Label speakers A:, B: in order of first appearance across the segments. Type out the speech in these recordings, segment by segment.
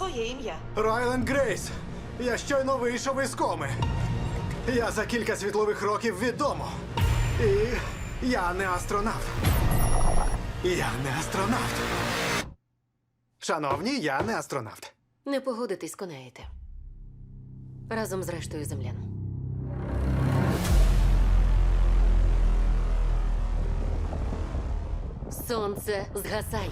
A: своє ім'я.
B: Райленд Грейс, я щойно вийшов із коми. Я за кілька світлових років відомо. І я не астронавт. Я не астронавт. Шановні, я не астронавт.
C: Не погодитись, конаєте. Разом з рештою землян. Сонце згасає.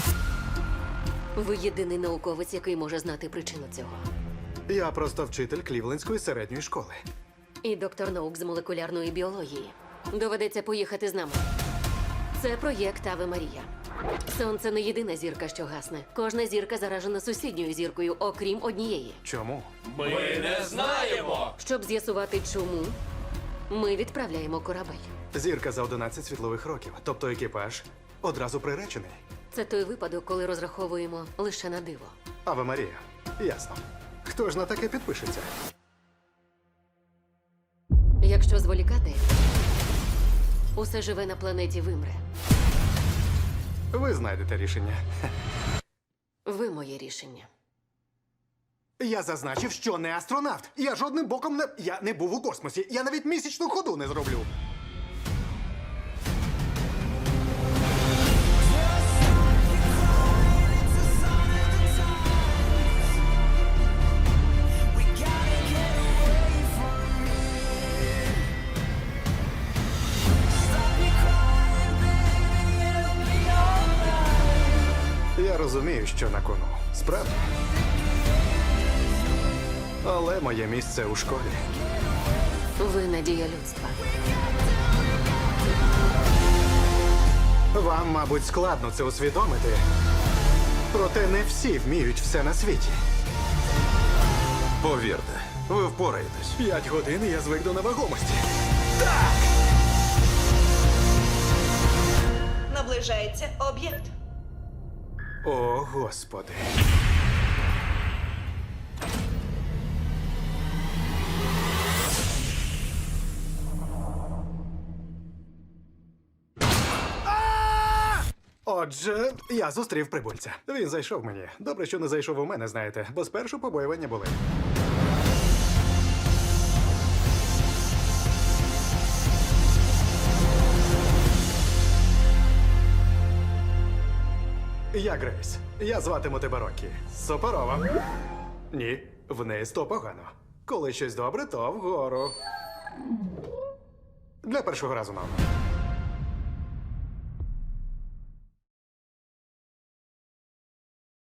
C: Ви єдиний науковець, який може знати причину цього.
B: Я просто вчитель Клівлендської середньої школи.
C: І доктор наук з молекулярної біології. Доведеться поїхати з нами. Це проєкт Аве Марія. Сонце не єдина зірка, що гасне. Кожна зірка заражена сусідньою зіркою, окрім однієї.
B: Чому?
D: Ми не знаємо!
C: Щоб з'ясувати, чому, ми відправляємо корабель.
B: Зірка за 11 світлових років, тобто екіпаж одразу приречений.
C: Це той випадок, коли розраховуємо лише на диво.
B: Аве Марія. Ясно. Хто ж на таке підпишеться?
C: Якщо зволікати, усе живе на планеті вимре.
B: Ви знайдете рішення.
C: Ви моє рішення.
B: Я зазначив, що не астронавт. Я жодним боком не... Я не був у космосі. Я навіть місячну ходу не зроблю. Я розумію, що на кону. Справді. Але моє місце у школі.
C: Ви надія людства.
B: Вам, мабуть, складно це усвідомити. Проте не всі вміють все на світі.
D: Повірте, ви впораєтесь.
B: 5 годин і я звик до невагомості.
A: Наближається об'єкт.
B: О, Господи. Отже, я зустрів прибульця. Він зайшов мені. Добре, що не зайшов у мене, знаєте, бо спершу побоювання були. Я Грейс. Я зватиму тебе Рокі. Суперово. Ні, вниз то погано. Коли щось добре, то вгору. Для першого разу, мам.